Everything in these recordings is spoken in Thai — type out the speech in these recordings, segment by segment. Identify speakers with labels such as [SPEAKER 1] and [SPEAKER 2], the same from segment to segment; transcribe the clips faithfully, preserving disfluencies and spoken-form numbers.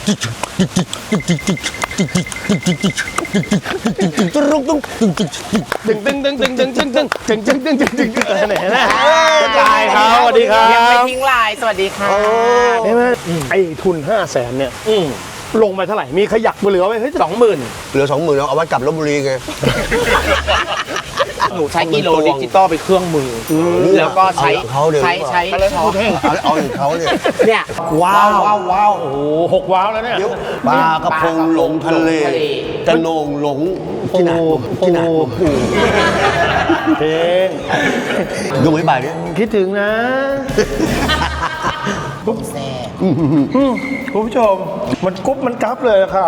[SPEAKER 1] ตึงตึงตึงตึงตึงตึงตึงตึงตึงตึงตึงตึงตึงไหนนะลายเขาสวัสดีครับ
[SPEAKER 2] ยังไม่ทิ้งลายสวัสดีค่ะ
[SPEAKER 1] ใช่ไหมไอ้ทุนห้าแสนเนี่ยลงไปเท่าไหร่มีขยักเหลือไว้เฮ้ยสองหมื่น
[SPEAKER 3] เหลือสองหมื่นเอาไว้กลับลพบุรีไง
[SPEAKER 2] หนูใช้กิโลดิจิตอลไปเครื่องมือแล้วก็ใช้ใช้ใช้ช้อน
[SPEAKER 3] เอาอย่างเขาเนี่ย
[SPEAKER 2] เนี่ย
[SPEAKER 1] ว้าวว้าวว้าวโอ้โหหกว้าวแล้วเนี่ย
[SPEAKER 3] ปลากระพงหลงทะเลจะโหน่งหลงที่ไหนที่ไหน
[SPEAKER 1] เพลง
[SPEAKER 3] ดูไม่บ่ายเนี่ย
[SPEAKER 1] คิดถึงนะ
[SPEAKER 2] ปุ๊บแซ่
[SPEAKER 1] คุณผู้ชมมันกุ๊บมันกั๊บเลยค่ะ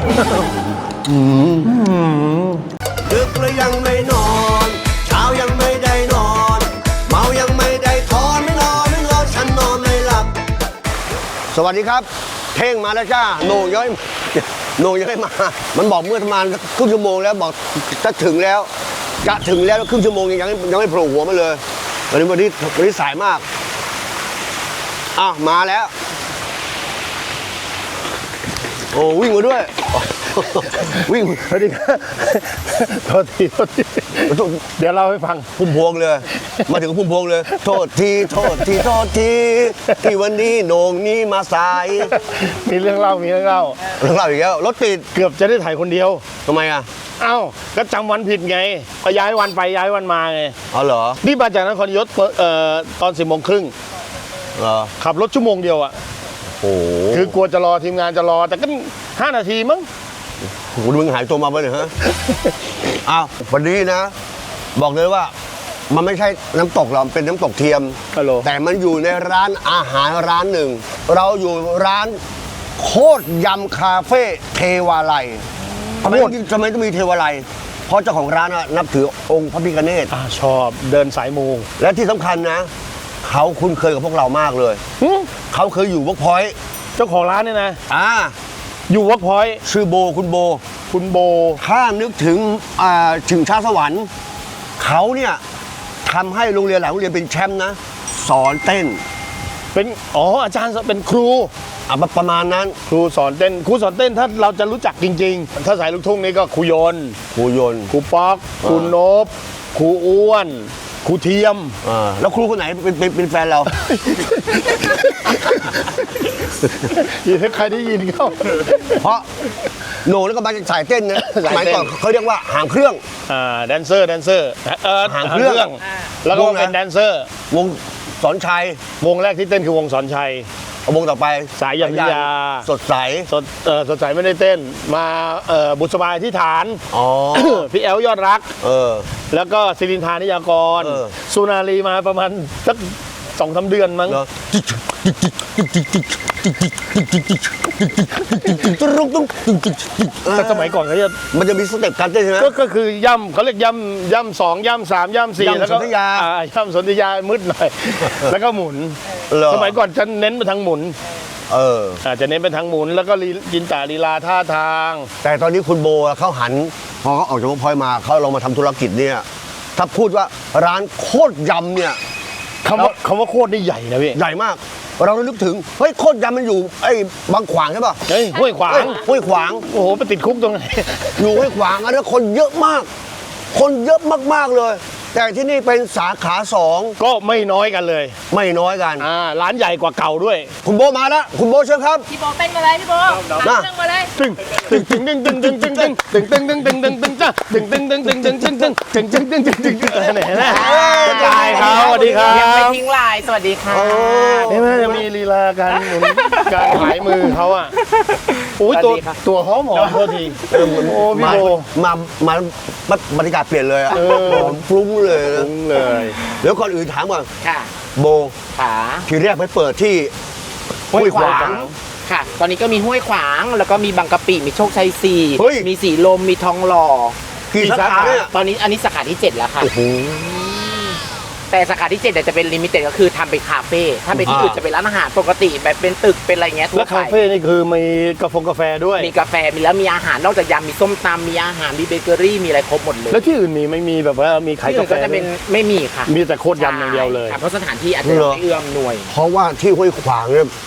[SPEAKER 3] ดึกแล้วยังไม่นอนเช้ายังไม่ได้นอนเมายังไม่ได้ทอนไม่นอนไม่นอนฉันนอนไม่หลับสวัสดีครับเท่งมาแล้วจ้าโหน่งย้อยโหน่งยังไม่มามันบอกเมื่อประมาณครึ่งชั่วโมงแล้วบอกจะถึงแล้วจะถึงแล้วครึ่งชั่วโมงยังยังไม่โผล่หัวมาเลยวันนี้วันนี้วันนี้สายมากอ้าวมาแล้วโอ้วิ่งมาด้วยวิ่ง
[SPEAKER 1] สวัสดีครับโทษทีโทษทีเดี๋ยวเล่าให้ฟัง
[SPEAKER 3] พุ่มพวงเลยมาถึงพุ่มพวงเลยโทษทีโทษทีโทษทีที่วันนี้โหน่งนี้มาสาย
[SPEAKER 1] มีเรื่องเล่ามีเรื่องเล่า
[SPEAKER 3] เรื่องเล่าอีกแล้วรถติด
[SPEAKER 1] เกือบจะได้ถ่ายคนเดียว
[SPEAKER 3] ทำไมอ่ะ
[SPEAKER 1] เอ้าก็จำวันผิดไงก็ย้ายวันไปย้ายวันมาไง
[SPEAKER 3] อ๋อเหรอ
[SPEAKER 1] นี่มาจากนครยศเอ่อตอนสิบโมงครึ่ง
[SPEAKER 3] เหรอ
[SPEAKER 1] ขับรถชั่วโมงเดียวอ่ะ
[SPEAKER 3] โอ้
[SPEAKER 1] คือกลัวจะรอทีมงานจะรอแต่ก็ห้านาทีมั้ง
[SPEAKER 3] คุณมึงหายตัวมาไปเลยฮะอ้าววันนี้นะบอกเลยว่ามันไม่ใช่น้ำตกหรอกเป็นน้ำตกเทียมแต่มันอยู่ในร้านอาหารร้านหนึ่งเราอยู่ร้านโคตรยำคาเฟ่เทวาลัยทำไมทำไมต้องมีเทวาลัยเพราะเจ้าของร้านนับถือองค์พระพิฆเนศ
[SPEAKER 1] ชอบเดินสายมู
[SPEAKER 3] และที่สำคัญนะเขาคุ้นเคยกับพวกเรามากเลยเขาเคยอยู่เวิร์กพอยต์
[SPEAKER 1] เจ้าของร้านเนี่ยนะ
[SPEAKER 3] อ่า
[SPEAKER 1] อยู่เวิร์กพอยต์
[SPEAKER 3] ชื่อโบคุณโบ
[SPEAKER 1] คุณโบ
[SPEAKER 3] ถ้านึกถึงอ่าถึงชาสวรรค์เขาเนี่ยทำให้โรงเรียนหลายโรงเรียนเป็นแชมป์นะสอนเต้น
[SPEAKER 1] เป็นอ๋ออาจารย์เป็นครู
[SPEAKER 3] อ่ะประมาณนั้น
[SPEAKER 1] ครูสอนเต้นครูสอนเต้นถ้าเราจะรู้จักจริงๆถ้าสายลูกทุ่งนี่ก็ครูโยน
[SPEAKER 3] ครูโยน
[SPEAKER 1] ครูป๊อกครูนบครูอ้วนครูเทียม
[SPEAKER 3] อ่าแล้วครูคนไหนเป็นเป็นเป็นแฟนเรา
[SPEAKER 1] ยินใครได้ยินเขา
[SPEAKER 3] เพราะโหน่งแล้วก็มาจากสายเต้นนะสมัยก่อนเขาเรียกว่าหางเครื่อง
[SPEAKER 1] อ่าแดนเซอร์แดนเซอร์เออหางเครื่องแล้วก็เป็นแดนเซอร์
[SPEAKER 3] วงสอนชัยว
[SPEAKER 1] งแรกที่เต้นคือวงสอนชัยว
[SPEAKER 3] งต่อไป
[SPEAKER 1] สายยันยา
[SPEAKER 3] สดใส
[SPEAKER 1] สดเออสดใสไม่ได้เต้นมาเอ่อบุษบาที่ฐาน
[SPEAKER 3] อ๋อ
[SPEAKER 1] พี่แอลยอดรัก
[SPEAKER 3] เออ
[SPEAKER 1] แล้วก็ศิรินทานิยากรสุนารีมาประมาณสักสองสามเดือนมั้งแต่สมัยก่อนเขาจะ
[SPEAKER 3] มันจะมีสเต็ปการเต้นใช่ไหม
[SPEAKER 1] ก็คือย่ำเขาเรียกย่ำย่ำสองย่ำสามย่ำสี่แล้วก็ย่ำสนธยามืดหน่อยแล้วก็หมุนสมัยก่อนจะเน้นไปทางหมุน
[SPEAKER 3] เออ
[SPEAKER 1] อาจจะเน้นไปทางหมุนแล้วก็จินตาลีลาท่าทาง
[SPEAKER 3] แต่ตอนนี้คุณโบเขาหันพอเขาออกจากเวิร์กพอยต์มาเขาลงมาทำธุรกิจเนี่ยถ้าพูดว่าร้านโคตรยำเนี่ย
[SPEAKER 1] คำว่าคำว่าโคตรนี่ใหญ่นะพี่
[SPEAKER 3] ใหญ่มากเรานึกถึงเฮ้ยโคตรยำมันอยู่ไอ้บางขวางใช่ป่ะ
[SPEAKER 1] เฮ้ยห้วยขวาง
[SPEAKER 3] ห้วยขวาง
[SPEAKER 1] โอ้โหไปติดคุกตรงไหน
[SPEAKER 3] อยู่ห้วยขวางอันนั้นคนเยอะมากคนเยอะมากๆเลยแต่ที่นี่เป็นสาขาสอง
[SPEAKER 1] ก็ไม่น้อยกันเลย
[SPEAKER 3] ไม่น้อยกัน
[SPEAKER 1] อ่าร้านใหญ่กว่าเก่าด้วย
[SPEAKER 3] คุณโบมาแล้วคุณโบเชิญครับ
[SPEAKER 2] พี่โบเต้นมาเลยพี่โบมาเต้นมาเลย
[SPEAKER 1] ตึงตึงตึงตึงตึงตึงตึงตึงตึงตึงตึงตึงตึงตึงจ้าตึงตึงตึงตึงตึงตึงตึงตึงตึงตึงตึงตึงตึงไหนนะลายเขาสวัสดีครับ
[SPEAKER 2] ยังไม่ทิ้งลายสวัสดีค่ะ
[SPEAKER 1] นี่มันจะมีลีลาการหมุนการหายมือเขาอ่ะโอ้ยตัวตัวหอมหอมโทษทีโอ้พี่โบ
[SPEAKER 3] มามาบรรยากาศเปลี่ยนเลยอ่ะหอมฟลุ้งเลย
[SPEAKER 1] เลย
[SPEAKER 3] เดี๋ยวก่อนอื่นถามก่อน
[SPEAKER 2] ค่ะ
[SPEAKER 3] โบ
[SPEAKER 2] ค่ะ
[SPEAKER 3] ทีแรกไปเปิดที่
[SPEAKER 2] ห้วยขวางค่ะตอนนี้ก็มีห้วยขวางแล้วก็มีบางกะปิมีโชคชัยสี่มีสีลมมีทองหล่อ
[SPEAKER 3] กี่สาขาเนี่ย
[SPEAKER 2] ตอนนี้อันนี้สาขาที่เจ็ดแล้วค่ะแต่สาขาที่เจ็ดจะเป็นลิมิเต็ดก็คือทำเป็นคาเฟ่ถ้าเป็นที่อื่นจะเป็นร้านอาหารปกติแบบเป็นตึกเป็นอะไรเงี้ยทั่วไป
[SPEAKER 1] แล้วคาเฟ่นี่คือมีกาแฟกาแฟด้วย
[SPEAKER 2] มีกาแฟมีแล้วมีอาหารนอกจากยำมีส้มตำมีอาหารมีเบเกอรี่มีอะไรครบหมดเลย
[SPEAKER 1] แล้วที่อื่นมีไม่มีแบบว่ามีขายกาแฟ
[SPEAKER 2] ก็จะเป็นไม่มีค่ะ
[SPEAKER 1] มีแต่โคตรยำอย่างเดียวเลย
[SPEAKER 2] เพราะสถานที่อาจจะไม่เอื้อมหน่วย
[SPEAKER 3] เพราะว่าที่ห้วยขวางเนี่ย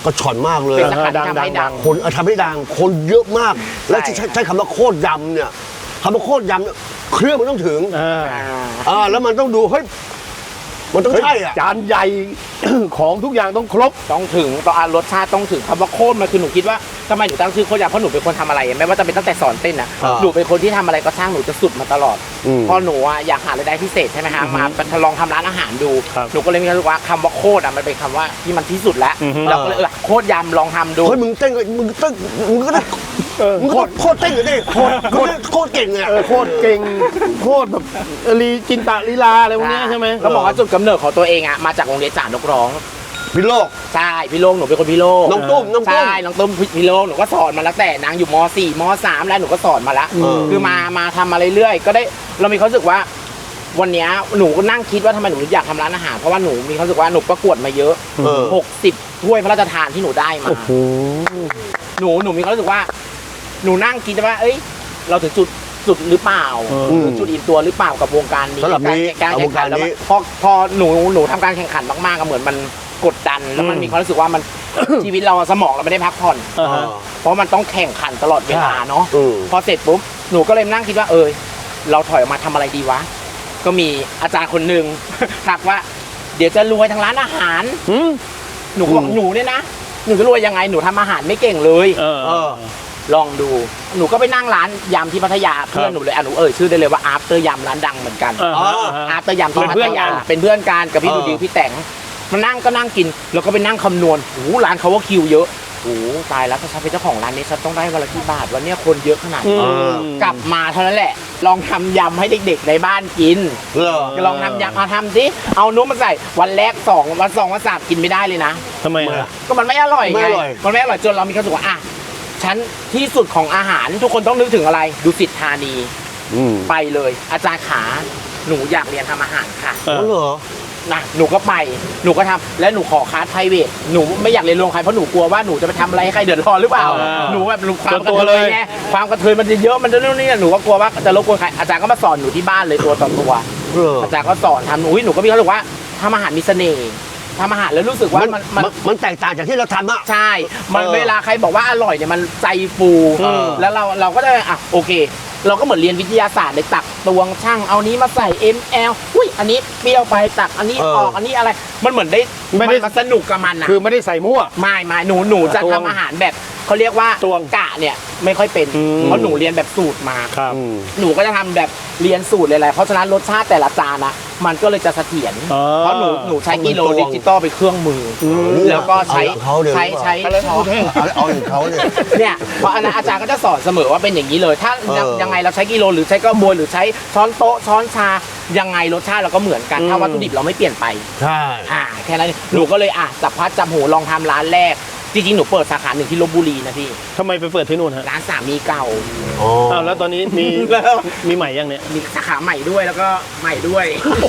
[SPEAKER 3] ก็ฉ่อนมากเลย
[SPEAKER 2] เป็นสาขาที่
[SPEAKER 1] ดัง
[SPEAKER 2] ทำให้
[SPEAKER 1] ดั
[SPEAKER 2] ดั
[SPEAKER 1] ง
[SPEAKER 2] ง
[SPEAKER 3] คนเอาทำให้ดังคนเยอะมาก และ
[SPEAKER 2] ใช่
[SPEAKER 3] ใช้ใช้คำว่าโคตรยำเนี่ยคำว่าโคตรยำเนี่ยเครื่องมันต้องถึง
[SPEAKER 1] อ่า
[SPEAKER 2] อ่า
[SPEAKER 3] อ่าแล้วมันต้องดูเฮ้ยมันต้องใช่อ่ะ
[SPEAKER 1] จานใหญ่ ของทุกอย่างต้องครบ
[SPEAKER 2] ต้องถึงต้องอ่ะรสชาติต้องถึงคำว่าโคตรมันคือหนูคิดว่าทำไมหนูตั้งชื่อโคตรยำเพราะหนูเป็นคนทำอะไรไม่ว่าจะเป็นตั้งแต่สอนเต้นนะ
[SPEAKER 3] อ่า
[SPEAKER 2] หนูเป็นคนที่ทำอะไรก็ช่างหนูจะสุดมาตลอด
[SPEAKER 3] อืม
[SPEAKER 2] พอหนูอ่ะอยากหารายได้พิเศษใช่ไหมฮะมาลองทำร้านอาหารดู
[SPEAKER 1] ครับ
[SPEAKER 2] หนูก็เลยมีความรู้สึกว่าคำว่าโคตรอ่ะมันเป็นคำว่าที่มันที่สุดแล้ว
[SPEAKER 1] อือฮึ
[SPEAKER 2] เราก็เลยเออโคตรยำลองทำดู
[SPEAKER 3] เฮ้ยมึงเต้นก็มึงเต้นมึงก็ได้
[SPEAKER 1] เออ
[SPEAKER 3] มึงก็
[SPEAKER 1] โค
[SPEAKER 3] ต้อ
[SPEAKER 1] ต
[SPEAKER 3] ง
[SPEAKER 1] ร
[SPEAKER 3] โคตรเต้นอยู่ดิโคตรโคตรโคตรเก่งเลยอะ
[SPEAKER 1] เออโคตรเก่งโคตรแบบลีจินตะลีลาอะไรพวกเนี้ยใช่ไหม
[SPEAKER 2] ก็บอกว่าจุดกำเนิดของตัวเองอ่ะมาจากโรงเรียนจ่านกร้อง
[SPEAKER 3] พิโลก
[SPEAKER 2] ใช่พี่โลงหนูเป็นคนพี่โลง
[SPEAKER 3] น้องตุ้มน้องตุ้ม
[SPEAKER 2] ใช่น้องตุ้มพี่โลงหนูก็สอนมาแล้วแต่นางอยู่ม .สี่ ม .สาม แล้วหนูก็สอนมาแล้ว
[SPEAKER 3] อืม
[SPEAKER 2] คือมามาทำมาเรื่อยๆก็ได้เรามีความรู้สึกว่า วันเนี้ยหนูก็นั่งคิดว่าทำไมหนูอยากทำร้านอาหารเพราะว่าหนูมีความรู้สึกว่าหนูประกวดมาเยอะ
[SPEAKER 3] เออ
[SPEAKER 2] หกสิบถ้วยพระราชทานที่หนูได้มา
[SPEAKER 1] โอ้โห
[SPEAKER 2] หนูหนูมีความรู้สึกว่า หนูนั่งคิดว่า เอ้ย เราถึงจุดจุดหรือเปล่า
[SPEAKER 3] อืม
[SPEAKER 2] หรือจุดอิ่มตัวหรือเปล่ากับวงการนี้
[SPEAKER 3] สำหรับนี้
[SPEAKER 2] การ
[SPEAKER 3] เอา
[SPEAKER 2] แข่
[SPEAKER 3] ว
[SPEAKER 2] ง
[SPEAKER 3] ง
[SPEAKER 2] ขั
[SPEAKER 3] การ
[SPEAKER 2] นแล้ว
[SPEAKER 3] นี้
[SPEAKER 2] มันพอพอหนูหนูทำการแข่งขันมากๆก็เหมือนมันกดดันแล้วมันมีความรู้สึกว่ามัน ชีวิตเราสมองเราไม่ได้พักผ่อน
[SPEAKER 1] อ่าฮะ
[SPEAKER 2] เพราะมันต้องแข่งขันตลอดเวลาเนาะ
[SPEAKER 3] อืม
[SPEAKER 2] พอเสร็จปุ๊บหนูก็เลยนั่งคิดว่า เออเราถอยออกมาทำอะไรดีวะ ก็มีอาจารย์คนหนึ่ง ทักว่า เดี๋ยวจะรวยทางร้านอาหาร
[SPEAKER 1] อืม
[SPEAKER 2] หนูก็บอก
[SPEAKER 3] อืม
[SPEAKER 2] หนูเนี่ยนะหนูจะรวยยังไงหนูทำอาหารไม่เก่งเลย
[SPEAKER 1] เออ
[SPEAKER 3] เออ
[SPEAKER 2] ลองดู หนูก็ไปนั่งร้านยำที่พัทยาเพื่อนหนูเลยอ่ะหนูเอ่ยชื่อได้เลยว่าอาร์เตอร์ยำร้านดังเหมือนกัน
[SPEAKER 1] อ่าฮะอ่าฮะ
[SPEAKER 2] อาร์เตอร์ยำที่
[SPEAKER 1] เป็น
[SPEAKER 2] พั
[SPEAKER 1] เพื่
[SPEAKER 2] ท
[SPEAKER 1] อนกั
[SPEAKER 2] ยาน เป็นเพื่อนกันกับพี่
[SPEAKER 3] เออ
[SPEAKER 2] ดูดิวพี่แต่งมานั่งก็นั่งกิน แล้วก็ไปนั่งคำนวณโอ้โหร้านเขาว่าคิวเยอะโอ้โหตายแล้วถ้าฉันเป็นเจ้าของร้านนี้ฉันต้องได้วันละกี่บาทวันเนี้ยคนเยอะขนาด
[SPEAKER 1] อื
[SPEAKER 2] นี้
[SPEAKER 1] ม
[SPEAKER 2] กลับมาเท่านั้นแหละ ลองทำยำให้เด็กๆในบ้านกิน
[SPEAKER 3] เหรอ
[SPEAKER 2] ลองทำยำมาทำสิเอานุ่มมาใส่วันแรกสองวันสองวันสามกินไม่ได้เลยนะ
[SPEAKER 1] ทำไมอ่ะ
[SPEAKER 2] ก็มันไม่อร่อย
[SPEAKER 3] ไม่
[SPEAKER 2] ไง
[SPEAKER 3] อร่อย
[SPEAKER 2] มันไม่อร่อยจนเรามีความรู้สึกว่าอ่ะฉันที่สุดของอาหารทุกคนต้องนึกถึงอะไรดูสิทธานี
[SPEAKER 3] อืม
[SPEAKER 2] ไปเลย อาจารย์ขาหนูอยากเรียนทำอาหารค่ะ
[SPEAKER 1] เออ
[SPEAKER 3] อ๋อเหรอ
[SPEAKER 2] นะหนูก็ไปหนูก็ทำและหนูขอคลาสไพรเวทหนูไม่อยากเรียนโรงใครเพราะหนูกลัวว่าหนูจะไปทำอะไรให้ใครเดือดร้อนหรือเปล่า
[SPEAKER 1] อ่า
[SPEAKER 2] หนูแบบหนูความ
[SPEAKER 1] ส่วน
[SPEAKER 2] ก
[SPEAKER 1] ตัว
[SPEAKER 2] ระเท
[SPEAKER 1] เลย ย
[SPEAKER 2] ไงความกระเทยมันจะเยอะมันจะนู่นนี่หนูก็กลัวว่าจะรบกวนใครอาจารย์ก็มาสอนหนูที่บ้านเลยตัวต่อตัว
[SPEAKER 3] เออ
[SPEAKER 2] อาจารย์ก็สอนทำหนูหนูก็มีความรู้สึกว่าทำอาหารมีเสน่ห์ทำอาหารแล้วรู้สึกว่า
[SPEAKER 3] มัน
[SPEAKER 2] มัน
[SPEAKER 3] มันมันแตกต่างจากที่เราทำอะ
[SPEAKER 2] ใช่ มัน
[SPEAKER 3] เออ
[SPEAKER 2] เวลาใครบอกว่าอร่อยเนี่ยมันใจฟู
[SPEAKER 3] เออ
[SPEAKER 2] แล้วเราเราก็ได้อ่ะโอเค เราก็เหมือนเรียนวิทยาศาสตร์เลยตักตวงช่างเอานี้มาใส่ เอ็ม แอล อุ้ยอันนี้เปรี้ยวไปตักอันนี้ออกอันนี้อะไร มันเหมือนได้
[SPEAKER 1] ไม่ได้
[SPEAKER 2] นสนุกกับมันนะ
[SPEAKER 1] คือไม่ได้ใส่มั่ว
[SPEAKER 2] ไม่ไม่หนูหนูจะ
[SPEAKER 1] ตวง
[SPEAKER 2] ทำอาหารแบบเขาเรียกว่า
[SPEAKER 1] ตวง
[SPEAKER 2] กะเนี่ยไม่ค่อยเป็น
[SPEAKER 1] อืม
[SPEAKER 2] เพราะหนูเรียนแบบสูตรมา
[SPEAKER 1] ครับ
[SPEAKER 3] อืม
[SPEAKER 2] หนูก็จะทำแบบเรียนสูตรเลยแหละเพราะฉะนั้นรสชาติแต่ละจานนะมันก็เลยจะเสถียร
[SPEAKER 1] อ๋อ
[SPEAKER 2] เพราะหนูหนูใช้กิโล
[SPEAKER 3] ต้องเป็นตวง
[SPEAKER 2] ดิจิตอลไปนเครื่องมืออ
[SPEAKER 3] ม
[SPEAKER 2] แล้วก็ใช้
[SPEAKER 3] เอาอย่างเขาเดี๋ยว
[SPEAKER 2] ใช้ใช้ช้อน
[SPEAKER 3] เอาเอาอย่างเขาเนี่ย
[SPEAKER 2] เนี่ยเพราะอันนั้นอาจารย์ก็จะสอนเสมอว่าเป็นอย่างนี้เลย ถ้า
[SPEAKER 3] เออ
[SPEAKER 2] ยังไงเราใช้กิโลหรือใช้กระบวยหรือใช้ช้อนโต๊ะช้อนชายังไงรสชาติเราก็เหมือนกัน
[SPEAKER 1] อืม
[SPEAKER 2] ถ้าวัตถุดิบเราไม่เปลี่ยนไป
[SPEAKER 3] ใช่
[SPEAKER 2] อ่าแค่นั้นหนูก็เลยอ่ะจับพัดจับหูลองทำร้านแรก จริงๆหนูเปิดสาขาหนึ่งที่ลพบุรีนะพี่
[SPEAKER 1] ทำไมไปเปิดที่นู่นฮะ
[SPEAKER 2] ร้านสามีเก่า
[SPEAKER 3] อ๋อ
[SPEAKER 1] อ้าวแล้วตอนนี้มี
[SPEAKER 2] แล้ว
[SPEAKER 1] มีใหม่ยังเนี่ย
[SPEAKER 2] มีสาขาใหม่ด้วยแล้วก็ใหม่ด้วย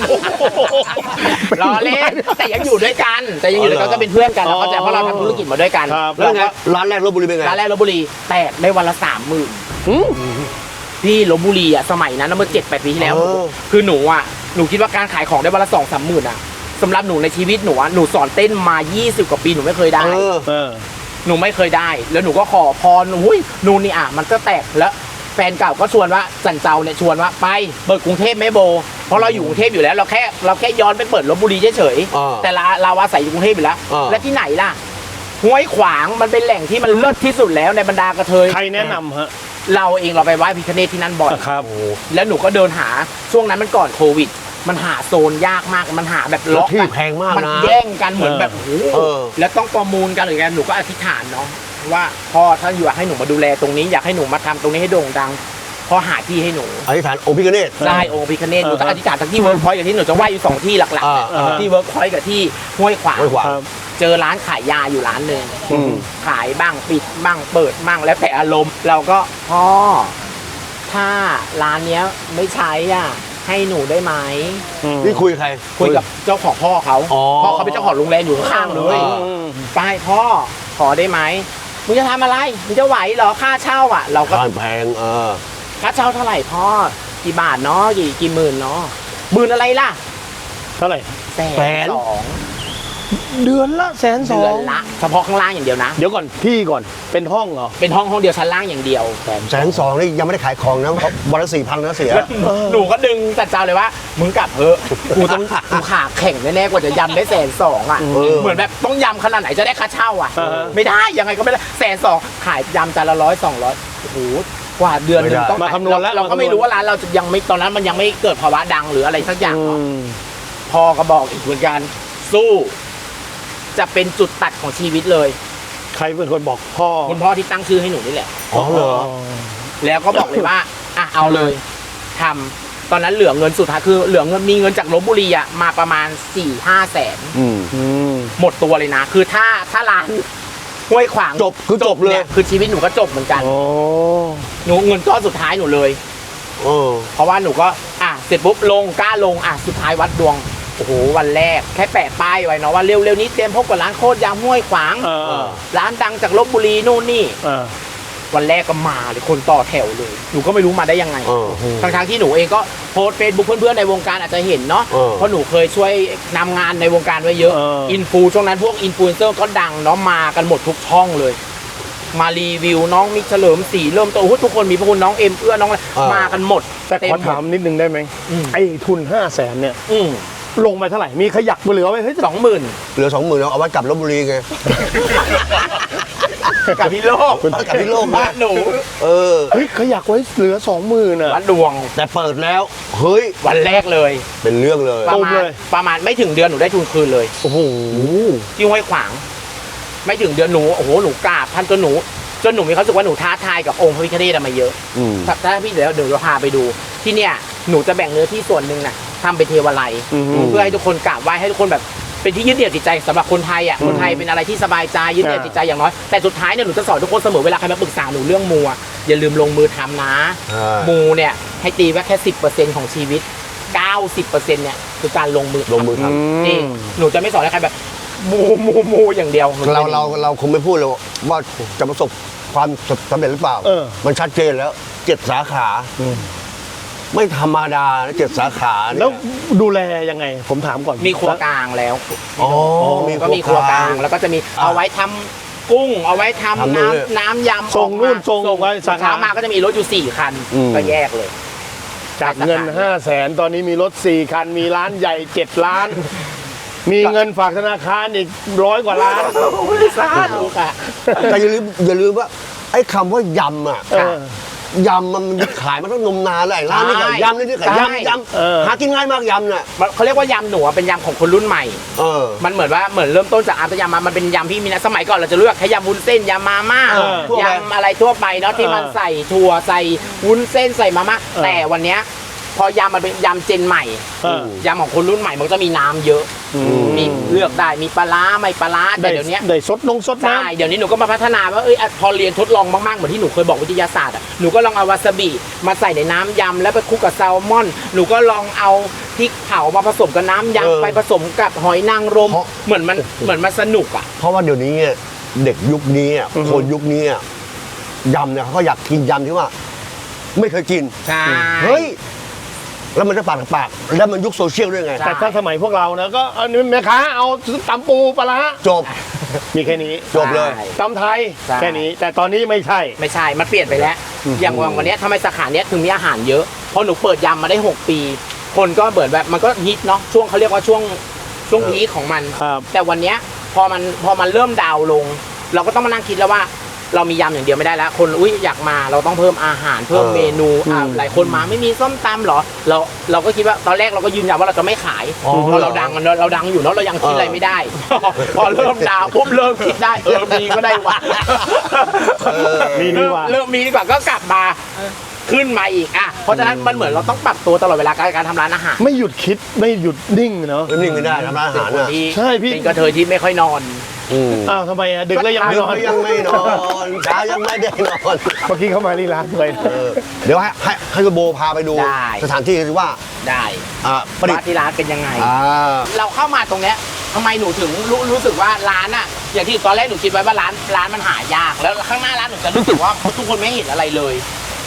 [SPEAKER 2] รอเล่นแต่ยังอยู่ด้วยกัน แต่ยังอยู่ด้วยกันก็เป็นเพื่อนกันแล้วก็จะเพราะเราทำธุรกิจมาด้วยกัน
[SPEAKER 1] ครับ
[SPEAKER 3] แล้วไง
[SPEAKER 2] ก็
[SPEAKER 3] ร้านแรกลบบุรีเป็นไง
[SPEAKER 2] ร้านแรกลพบุรีแตกได้วันละสามหมื่น
[SPEAKER 1] อืม
[SPEAKER 2] พี่ลพบุรีอ่ะสมัยนั้นนะเมื่อเจ็ดแปดปีที่แล้ว
[SPEAKER 3] เออ
[SPEAKER 2] คือหนูอ่ะหนูคิดว่าการขายของได้วันละสองสามหมื่นอ่ะสำหรับหนูในชีวิตหนูอ่ะหนูสอนเต้นมายี่สิบกว่าปีหนูไม่เคยได้
[SPEAKER 3] เออ
[SPEAKER 1] เออ
[SPEAKER 2] หนูไม่เคยได้ แล้วหนูก็ขอพรอุ้ยนู่นนี่อ่ะมันก็แตกแล้วแฟนเก่าก็ชวนว่าจันเจ้าเนี่ยชวนว่าไปเปิดกรุงเทพไหมโบ เพราะเราอยู่กรุงเทพอยู่แล้วเราแค่เราแค่ย้อนไปเปิดลพบุรีเฉย
[SPEAKER 3] อ่า
[SPEAKER 2] ๆแต่เราเราอาศัยอยู่กรุงเทพอยู่แล้ว
[SPEAKER 3] อ่า
[SPEAKER 2] และที่ไหนล่ะห้วยขวางมันเป็นแหล่งที่มันเลิศที่สุดแล้วในบรรดากระเทย
[SPEAKER 1] ใครแนะนำฮะ
[SPEAKER 2] เราเองเราไปไหว้พิฆเนศที่นั่นบ่อย
[SPEAKER 1] ครับ
[SPEAKER 2] แล้วหนูก็เดินหาช่วงนั้นมันก่อนโควิด มันหาโซนยากมากมันหาแบบ
[SPEAKER 3] แล้
[SPEAKER 2] ล็
[SPEAKER 3] ว
[SPEAKER 2] อก
[SPEAKER 3] ที่
[SPEAKER 2] กัน
[SPEAKER 3] แพงมาก
[SPEAKER 2] มัน
[SPEAKER 3] นะ
[SPEAKER 2] แย่งกันเหมือนแบบโอ้โห
[SPEAKER 3] เออ
[SPEAKER 2] แล้วต้องประมูลกันหรือไงหนูก็อธิษฐานเนาะว่าพ่อถ้าอยากให้หนูมาดูแลตรงนี้อยากให้หนูมาทำตรงนี้ให้โด่งดังพ่อหาที่ให้หนู
[SPEAKER 3] อธิษฐานองค์พิฆเนศ
[SPEAKER 2] ได้องค์พิฆเนศหนูจะ
[SPEAKER 1] อ่าฮะ
[SPEAKER 2] อธิษฐานทั้งที่เวิร์กพอยต์กับที่หนูจะไหว้อยู่สองที่หลักๆเนี่ย
[SPEAKER 3] อ่า
[SPEAKER 2] ที่เวิร์กพอยต์กับที่ห้วยขวาง
[SPEAKER 3] ห้วยขวาง
[SPEAKER 1] ครับ
[SPEAKER 2] เจอร้านขายยาอยู่ร้านหนึ่ง
[SPEAKER 3] อืม
[SPEAKER 2] ขายบ้างปิดบ้างเปิดบ้างแล้วแต่อารมณ์เราก็พ่อถ้าร้านเนี้ยไม่ใช้อ่ะให้หนูได้ไหม
[SPEAKER 1] อืม
[SPEAKER 3] นี่คุยกับใคร
[SPEAKER 2] คุยกับเจ้าของพ่อเขา
[SPEAKER 3] อ๋อ
[SPEAKER 2] พ่อเขาเป็นเจ้าของโรงแรมอยู่ข้างๆเลย
[SPEAKER 3] อ่า
[SPEAKER 1] อืม
[SPEAKER 2] ไปพ่อขอได้ไหมมึงจะทำอะไรมึงจะไหวเหรอค่าเช่าอ่ะ เราก็
[SPEAKER 3] บ้านแพงเออ
[SPEAKER 2] ค่าเช่าเท่าไหร่พ่อกี่บาทเนาะกี่กี่หมื่นเนาะหมื่นอะไรล่ะ
[SPEAKER 1] เท่าไหร่
[SPEAKER 2] แส
[SPEAKER 3] แส
[SPEAKER 2] น
[SPEAKER 3] น
[SPEAKER 2] สอง
[SPEAKER 1] เดือนละแสนสอ
[SPEAKER 2] เดือง นละเฉพาะข้างล่างอย่างเดียวนะ
[SPEAKER 1] เดี๋ยวก่อนที่ก่อนเป็นห้องเหรอ
[SPEAKER 2] เป็นห้องห้องเดียวชั้นล่างอย่างเดียว
[SPEAKER 3] แสนสองนี่ยังไม่ได้ขายของนะเพราะวันละสี่พันนะเสีย
[SPEAKER 2] แล้วหนูก็ดึงจัดเจ้าเลยว่ามึงกลับเถอะกูต้องกูขาแข่งแน่ๆกว่าจะยำได้แสนสองอ่ะ
[SPEAKER 3] เออ
[SPEAKER 2] เหมือนแบบต้องยำขนาดไหนจะได้ค่าเช่าอ่ะ
[SPEAKER 1] อ่าฮะ
[SPEAKER 2] ไม่ได้ยังไงก็ไม่ได้แสนสองขายยำจานละร้อยสองร้อยโอ้โหกว่าเดือนหนึงต้อง
[SPEAKER 1] มาคำนวณแล้ว
[SPEAKER 2] เราก็ไม่รู้ว่าร้านเราจะยังไม่ตอนนั้นมันยังไม่เกิดภาวะดังหรืออะไรสักอย่าง
[SPEAKER 1] อื
[SPEAKER 2] เนาะ
[SPEAKER 1] ม
[SPEAKER 2] พ่อก็บอกอีกเหมือนกันสู้ จะเป็นจุดตัดของชีวิตเลย
[SPEAKER 1] ใครเป็นคนบอกพ่อ
[SPEAKER 2] คุณพ่อที่ตั้งชื่อให้หนูนี่แหละ
[SPEAKER 3] อ๋อเหรอ
[SPEAKER 2] แล้วก็บอกเลยว่า อ่ะเอาเลยทำตอนนั้นเหลือเงินสุดท้ายคือเหลือเงินมีเงินจากลบบุรีอะมาประมาณสี่ห้าแสน
[SPEAKER 3] อืม
[SPEAKER 1] อืม
[SPEAKER 2] หมดตัวเลยนะ คือถ้าถ้าร้านห้วยขวาง
[SPEAKER 3] จบคือจบเลย
[SPEAKER 2] นี่คือชีวิตหนูก็จบเหมือนกัน
[SPEAKER 1] โอ้
[SPEAKER 2] หนูเงินก้อนสุดท้ายหนูเลย
[SPEAKER 3] เออ
[SPEAKER 2] เพราะว่าหนูก็อ่ะเสร็จปุ๊บลงกล้าลงอ่ะสุดท้ายวัดดวงโอ้โหวันแรกแค่แปะป้ายไว้เนาะว่าเร็วๆนี้เตรียมพบกับร้านโคตรยำห้วยขวาง
[SPEAKER 1] เออเออ
[SPEAKER 2] ร้านดังจากลบบุรีนู่นนี่
[SPEAKER 1] เออ
[SPEAKER 2] วันแรกก็มาเลยคนต่อแถวเลย หนูก็ไม่รู้มาได้ยังไง
[SPEAKER 3] เออ
[SPEAKER 2] ทั้งๆที่หนูเองก็โพสเฟซบุ๊กเพื่อนๆในวงการอาจจะเห็นเนาะ
[SPEAKER 3] เออ
[SPEAKER 2] เพราะหนูเคยช่วยนำงานในวงการไว้เยอะ
[SPEAKER 1] เอออิ
[SPEAKER 2] อินฟูช่วงนั้นพวกอินฟลูเอนเซอร์ก็ดังเนาะมากันหมดทุกช่องเลย มารีวิวน้องมิกเฉลิมศรีเริ่มต้นโอ้โหทุกคนมีพระคุณน้องเอ็มเอื้อน้องอะไร
[SPEAKER 3] เออ
[SPEAKER 2] มากันหมด
[SPEAKER 1] แต่ขอถามนิดนึงได้ไหม
[SPEAKER 2] อืม
[SPEAKER 1] ไอ้ทุนห้าแสนเนี่ย
[SPEAKER 2] อืม
[SPEAKER 1] ลงไปเท่าไหร่ มีขยักเหลือไว้เฮ้ย
[SPEAKER 2] สองหมื่น
[SPEAKER 3] เหลือสองหมื่นเอาไว้กลับลบบุรีไง
[SPEAKER 2] กับพี่โลก
[SPEAKER 3] เอากลับพี่โลก
[SPEAKER 2] บ้านหนู
[SPEAKER 3] เออ
[SPEAKER 1] เฮ้ยขยักไว้เหลือสองหมื่นอ่ะ
[SPEAKER 2] วัดดวง
[SPEAKER 3] แต่เปิดแล้ว เฮ้ย
[SPEAKER 2] วันแรกเลย
[SPEAKER 3] เป็นเรื่องเลย
[SPEAKER 2] ประ
[SPEAKER 1] ตุ้ม
[SPEAKER 2] มาณ
[SPEAKER 1] เลย
[SPEAKER 2] ประมาณไม่ถึงเดือนหนูได้ทุนคืนเลย
[SPEAKER 1] โอ้โห
[SPEAKER 2] ที่ห้วยขวาง ไม่ถึงเดือนหนูโอ้โหหนูกราบท่านจนหนูจนหนูมีความรู้สึกว่าหนูท้าทายกับองค์พระพิฆเนศมาเยอะ
[SPEAKER 3] อืม
[SPEAKER 2] ถ้าถ้าพี่เดี๋ยวเดี๋ยวเราพาไปดู ที่เนี่ยหนูจะแบ่งเนื้อที่ส่วนหนึ่งน่ะทำเป็นเทวาลัย
[SPEAKER 1] อือฮึ
[SPEAKER 2] เพื่อให้ทุกคนกราบไหว้ให้ทุกคนแบบเป็นที่ยึดเหนี่ยวจิตใจสำหรับคนไทยอ่ะคนไทยเป็นอะไรที่สบายใจยึดเหนี่ยวจิตใจอย่างน้อยแต่สุดท้ายเนี่ยหนูจะสอนทุกคนเสมอเวลาใครมาปรึกษาหนูเรื่องมูอะอย่าลืมลงมือทำนะ
[SPEAKER 3] ใช่
[SPEAKER 2] มูเนี่ยให้ตีไว้แค่สิบเปอร์เซ็นต์ของชีวิตเก้าสิบเปอร์เซ็นต์เนี่ยคือการลงมือ
[SPEAKER 3] ลงมือท
[SPEAKER 2] จริงหนูจะไม่สอนให้ใครแบบมูมูมูอย่างเดียวหนู
[SPEAKER 3] ำเรา
[SPEAKER 2] จะ
[SPEAKER 3] เราเราคงไม่พูดเลยว่าจะประสบความสำเร็จหรือเปล่า
[SPEAKER 1] เออ
[SPEAKER 3] มันชัดเจนแล้วเจ็ดสาขา ไม่ธรรมดานะเจ็ดสาขาเนี่ย
[SPEAKER 1] แล้วดูแลยังไง ผมถามก่อน
[SPEAKER 2] มีครัวกลางแล้ว
[SPEAKER 3] อ๋อ
[SPEAKER 2] ก็มีครัวกลางแล้วก็จะมีเอาไว้ทำกุ้ง เอาไว้ทำ
[SPEAKER 3] ทำนู่น
[SPEAKER 2] น้ำน้ำยำ
[SPEAKER 1] ส่งนู่น
[SPEAKER 2] ออกมา
[SPEAKER 1] ส่งไว้สาขา
[SPEAKER 2] เช้ามาก็จะมีรถอยู่สี่คัน
[SPEAKER 3] อืม
[SPEAKER 2] ก็แยกเลย
[SPEAKER 1] จากเงินห้าแสนตอนนี้มีรถสี่คัน มีร้านใหญ่เจ็ดล้าน มีเงินฝากธนาคารอีกร้อยกว่าล้าน
[SPEAKER 2] สาธุค่ะ
[SPEAKER 3] แต่อย่าลืมอย่าลืมว่า ไอ้คำว่ายำอ่ะ
[SPEAKER 1] เออ
[SPEAKER 3] ยำมันขายมาตั้งนมนานแล้วไอ้ร้านนี้ก็
[SPEAKER 2] ใช่
[SPEAKER 3] ยำนี่นี่ก็
[SPEAKER 2] ใช่
[SPEAKER 3] ยำย
[SPEAKER 1] เออ
[SPEAKER 3] ำหากินง่ายมากยำเนี่ย
[SPEAKER 2] มันเขาเรียกว่ายำหนูอะเป็นยำของคนรุ่นใหม่
[SPEAKER 3] เออ
[SPEAKER 2] มันเหมือนว่าเหมือนเริ่มต้นจากอาร์ตยำมามันเป็นยำที่มีนะสมัยก่อนเราจะเลือกแค่ยำวุ้นเส้นยำมาม่า
[SPEAKER 1] เออ
[SPEAKER 3] ทั่วไป
[SPEAKER 2] ยำอะไรทั่วไปเนาะที่มัน
[SPEAKER 1] เออ
[SPEAKER 2] ใส่ถั่วใส่วุ้นเส้นใส่มาม่า
[SPEAKER 1] เออ
[SPEAKER 2] แต่วันเนี้ยพอยำมันเป็นยำเจนใหม่
[SPEAKER 1] เออ
[SPEAKER 2] ยำของคนรุ่นใหม่มันก็จะมีน้ำเยอะ
[SPEAKER 1] อืม
[SPEAKER 2] มีเลือกได้มีปลาร้าไม่ปลาร้าแต่
[SPEAKER 1] ได้
[SPEAKER 2] เดี๋ยวนี้
[SPEAKER 1] ได้สดนงสดน้
[SPEAKER 2] ใช่เดี๋ยวนี้หนูก็มาพัฒนาว่าเอ้ยอ่ะพอเรียนทดลองมากๆเหมือนที่หนูเคยบอกวิทยาศาสตร์อ่ะหนูก็ลองเอาวาซาบิมาใส่ในน้ำยำแล้วไปคลุกกับแซลมอนหนูก็ลองเอาพริกเผามาผสมกับน้ำ
[SPEAKER 3] เออย
[SPEAKER 2] ำไปผสมกับหอยนางรม
[SPEAKER 3] เพราะ
[SPEAKER 2] เหมือนมันเหมือนมันสนุกอ่ะ
[SPEAKER 3] เพราะว่าเดี๋ยวนี้เนี่ยเด็กยุคนี้อ่ะคนยุคนี้อ่ะยำเนี่ยเขาก็อยากกินยำที่ว่า ไม่เคยกิน
[SPEAKER 2] ใช่
[SPEAKER 3] เฮ้ย แล้วมันจะปากต่อปาก แล้วมันยุคโซเชียลด้วยไง
[SPEAKER 1] ำแต่ถ้าสมัยพวกเรานะก็เอานี่แม่ค้าเอาตำปูปลาร้า
[SPEAKER 3] จบ
[SPEAKER 1] มีแค่นี้
[SPEAKER 3] จบเลย
[SPEAKER 2] ใช่
[SPEAKER 1] ตำไทย
[SPEAKER 2] ใช่
[SPEAKER 1] แค่นี้ แต่ตอนนี้ไม่ใช่
[SPEAKER 2] ไม่ใช่มันเปลี่ยนไปแล้ว อย่างวันเนี้ยทำไมสาขาเนี้ยถึงมีอาหารเยอะเพราะหนูเปิดยำมาได้หกปี คนก็เบิดแบบมันก็ฮิตเนาะช่วงเขาเรียกว่าช่วงช่วงพีคของมัน
[SPEAKER 1] ครับ
[SPEAKER 2] แต่วันเนี้ยพอมันพอมันเริ่มดาวน์ลง เราก็ต้องมานั่งคิดแล้วว่าเรามียำอย่างเดียวไม่ได้แล้ว คนอุ้ยอยากมาเราต้องเพิ่มอาหารเพิ่ม
[SPEAKER 3] เออ
[SPEAKER 2] เมนูอ่า
[SPEAKER 1] อืม
[SPEAKER 2] หลายคนมาไม่มีส้มตำเหรอเราเราก็คิดว่าตอนแรกเราก็ยืนยันว่าเราจะไม่ขาย
[SPEAKER 3] อ๋อ
[SPEAKER 2] เพราะเราดังเราเราดังอยู่เนาะเรายังคิดอะไรไม่ได้ พอเริ่มดาวปุ๊บเริ่มคิดได้เออมีก็ได้ว่ะ
[SPEAKER 3] เออ
[SPEAKER 1] มีดีกว่า
[SPEAKER 2] เริ่มมีดีกว่าก็กลับมาขึ้นมาอีกอ่ะเพราะฉะนั้นมันเหมือนเราต้องปรับตัวตลอดเวลาการการทำร้านอาหาร
[SPEAKER 1] ไม่หยุดคิดไม่หยุดนิ่งเนาะ
[SPEAKER 3] แล้วนิ่งไม่ได้ทำร้านอา
[SPEAKER 2] เป็น
[SPEAKER 3] หาร
[SPEAKER 2] คน
[SPEAKER 3] น่ะ
[SPEAKER 2] ที่
[SPEAKER 1] ใช่พี่
[SPEAKER 2] เป็นกระเทยที่ไม่ค่อยนอน
[SPEAKER 3] อืม
[SPEAKER 1] อ้าวทำไมอะดึกแล้วยังไม่
[SPEAKER 3] ดึ
[SPEAKER 1] น
[SPEAKER 3] ก
[SPEAKER 1] อน
[SPEAKER 3] ก็ยังไม่นอนเช้ายังไม่ได้นอน
[SPEAKER 1] เมื่อกี้เข้ามาที่ร้านเลย
[SPEAKER 3] เออเดี๋ยวให้ให้ให้คุณโบพาไปดู
[SPEAKER 2] ได้
[SPEAKER 3] สถานที่ที่ว่า
[SPEAKER 2] ได้
[SPEAKER 3] อ่าประดิษ
[SPEAKER 2] ว่า
[SPEAKER 3] ฐ์
[SPEAKER 2] ที่ร้านเป็นยังไง
[SPEAKER 3] อ่า
[SPEAKER 2] เราเข้ามาตรงเนี้ยทำไมหนูถึงรู้รู้สึกว่าร้านอะอย่างที่ตอนแรกหนูคิดไว้ว่าร้านร้านมันหายาก แล้วข้างหน้าร้านหนูจะรู้สึกว่าทุกคนไม่เห็นอะไรเลยเขา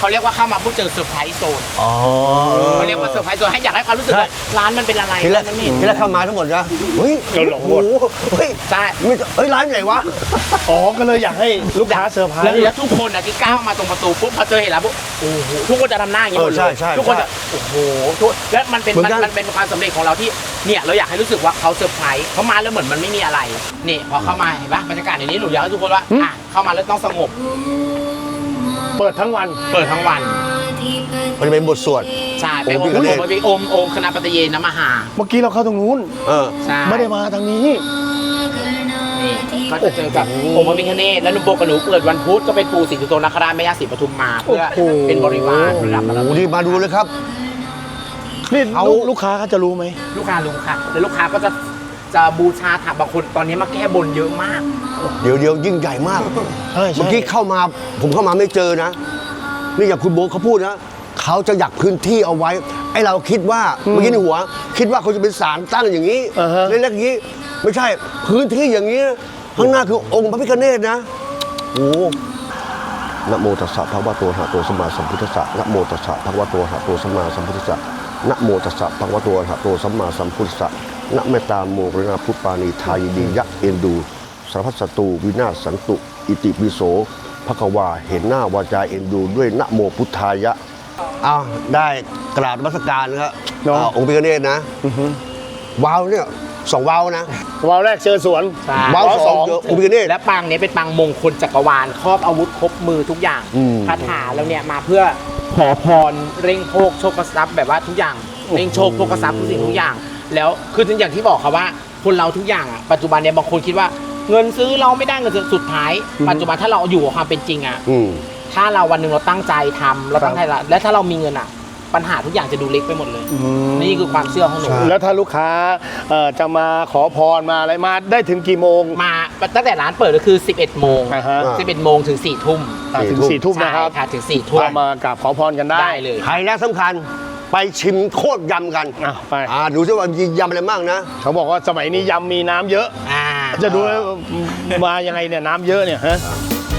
[SPEAKER 2] เขาเรียกว่าเข้ามาปุ๊บเจอเซอร์ไพรส์โซน
[SPEAKER 3] อ๋อ
[SPEAKER 2] เขาเรียกว่าเซอร์ไพรส์โซนให้อยากให้ความรู้สึกว่าร้านมันเป็นอะไร
[SPEAKER 3] ทีแรก
[SPEAKER 2] มันไม่เห็น
[SPEAKER 3] ทีแรกเข้ามาทั้งหมดนะเฮ้ย
[SPEAKER 1] เราหลงหมด
[SPEAKER 3] โอ้โเฮ้ย
[SPEAKER 2] ใช่
[SPEAKER 3] ไม่เฮ้ยร้านไหนวะ
[SPEAKER 1] อ๋อก็เลยอยากให้ลูกค้าเซอร์ไพร
[SPEAKER 2] แล้ว
[SPEAKER 1] ส์
[SPEAKER 2] แล้วทุกคนอ่ะที่ก้าวมาตรงประตูปุ๊บพอเจอเห็นแล้วปุ๊บโอ้โหทุกคนจะทำหน้าอย่างนี้หมด
[SPEAKER 3] เออใช่
[SPEAKER 2] เลย
[SPEAKER 3] ใช่
[SPEAKER 2] ทุกคน
[SPEAKER 3] ใช่
[SPEAKER 2] จะโอ้โหทุกแล้วมันเป็น
[SPEAKER 3] เหมือน
[SPEAKER 2] มัน
[SPEAKER 3] กัน
[SPEAKER 2] มันเป็นความสำเร็จของเราที่เนี่ยเราอยากให้รู้สึกว่าเขาเซอร์ไพรส์เขามาแล้วเหมือนมันไม่มีอะไรนี่พอเข้ามาเห็นปะบรรยากาศอย่างนี้หนูอยากให้ทุกคนว่าอ่ะเข้ามาแล้วต้องสงบ
[SPEAKER 1] เปิดทั้งวัน
[SPEAKER 2] เปิดทั้งวัน
[SPEAKER 3] มันเป็นบทสวด
[SPEAKER 2] ใช่ไป
[SPEAKER 3] โอ
[SPEAKER 2] โอ
[SPEAKER 3] ม
[SPEAKER 2] ม
[SPEAKER 3] พิฆเนศ
[SPEAKER 2] โอมไปโอมโอมคณะปฏิเยนมหา
[SPEAKER 1] เมื่อกี้เราเข้าตรงนู้น
[SPEAKER 3] เออ
[SPEAKER 2] ใช่
[SPEAKER 1] ไม่ได้มาทางนี้
[SPEAKER 2] นี่ก็จะเจอกับองค์พระพิฆเนศและหนุ่มโบกับหนูเกิดวันพุธก็เป็นปู่ศรีสุโธนคราชแม่ย่าศรีปทุมมาเพื่อ
[SPEAKER 1] โอ้โห
[SPEAKER 2] เป็นบริวารประดับมาแล้ว
[SPEAKER 3] โอ้นี่มาดูเลยครับ
[SPEAKER 1] นี่
[SPEAKER 3] เอา
[SPEAKER 1] ลูกลูกค้าเขาจะรู้ไหม
[SPEAKER 2] ลูกค้ารู้ค่ะแล้วลูกค้าก็จะจะบูชาถามบางคนตอนนี้มาแก้บนเยอะมาก
[SPEAKER 3] เดี๋ยวเดี๋ยวยิ่งใหญ่มาก
[SPEAKER 1] ใช่ใช่
[SPEAKER 3] เมื่อกี้เข้ามาผมเข้ามาไม่เจอนะ นี่อย่างคุณโบ๊ทเขาพูดนะเขาจะอยากพื้นที่เอาไว้ไอ้เราคิดว่าเมื่อกี้ในหัว คิดว่าเขาจะเป็นศาลตั้งอย่างนี้
[SPEAKER 1] อ่าฮะ
[SPEAKER 3] เล็กๆอย่างนี้ ไม่ใช่พื้นที่อย่างนี้ข้างหน้าคือองค์พระพิฆเนศนะโอ้นะโมตัสสะภะคะวะโตอะระหะโตสัมมาสัมพุทธัสสะนะโมตัสสะภะคะวะโตอะระหะโตสัมมาสัมพุทธัสสะนะโมตัสสะภะคะวะโตอะระหะโตสัมมาสัมพุทธัสสะนะเมตตาโมกรณาพุทธปานีทายดียะเอ็นดูสารพัดศัตรูวินาศสันตุอิติปิโสภควาเห็นหน้าวาจาเอ็นดูด้วยนะโมพุทธายะอ้าวได้กราบนมัสการนะครับ
[SPEAKER 1] เนาะ
[SPEAKER 3] อ่าองค์พิฆเนศนะว้าวเนี่ยสองว้าวนะ
[SPEAKER 1] วาวแรกเจอสวน
[SPEAKER 2] ใช่
[SPEAKER 3] ว้าวสองเจอองค์พิฆเนศ
[SPEAKER 2] และปางนี้เป็นปางมงคลจักรวาลครอบอาวุธครบมือทุกอย่าง
[SPEAKER 3] อืม
[SPEAKER 2] คาถาแล้วเนี่ยมาเพื่อขอพรเร่งโชคโชคทรัพย์แบบว่าทุกอย่างเร่งโชคโชคทรัพย์ทุกสิ่งทุกอย่าง แล้วคืออย่างที่บอกครับว่าคนเราทุกอย่างอ่ะปัจจุบันเนี่ยบางคนคิดว่าเงินซื้อเราไม่ได้เงินซื้อสุดท้าย ปัจจุบันถ้าเราอยู่กับความเป็นจริงอ่ะ
[SPEAKER 3] อืม
[SPEAKER 2] ถ้าเราวันหนึ่งเราตั้งใจทำเราตั้งใจละและถ้าเรามีเงินอ่ะ ปัญหาทุกอย่างจะดูเล็กไปหมดเลย นี่คือความเชื่อของหนู
[SPEAKER 3] ใช่
[SPEAKER 1] แล้วถ้าลูกค้าเอ่อจะมาขอพรมาอะไรมาได้ถึงกี่โมง
[SPEAKER 2] มาตั้งแต่ร้านเปิดก็คือ สิบเอ็ด โมง
[SPEAKER 1] อ่าฮะ
[SPEAKER 2] สิบเอ็ด โมงถึง สี่ ทุ่ม
[SPEAKER 1] อ่ะถึงสี่ทุ่มนะครับ
[SPEAKER 2] ใช่ค่ะถึง สี่ ทุ่ม
[SPEAKER 1] ก็มากราบขอพรกันได้
[SPEAKER 2] ได้เลย
[SPEAKER 3] ไฮไลท์สำคัญไปชิมโคตรยำกัน
[SPEAKER 1] อ่ะไป
[SPEAKER 3] อ่าดูซิว่ามียำอะไรบ้างนะ
[SPEAKER 1] เขาบอกว่าสมัยนี้ยำมีน้ำเยอะ
[SPEAKER 2] อ่า
[SPEAKER 1] จะดูว่ามายังไงเนี่ยน้ำเยอะเนี่ยฮะ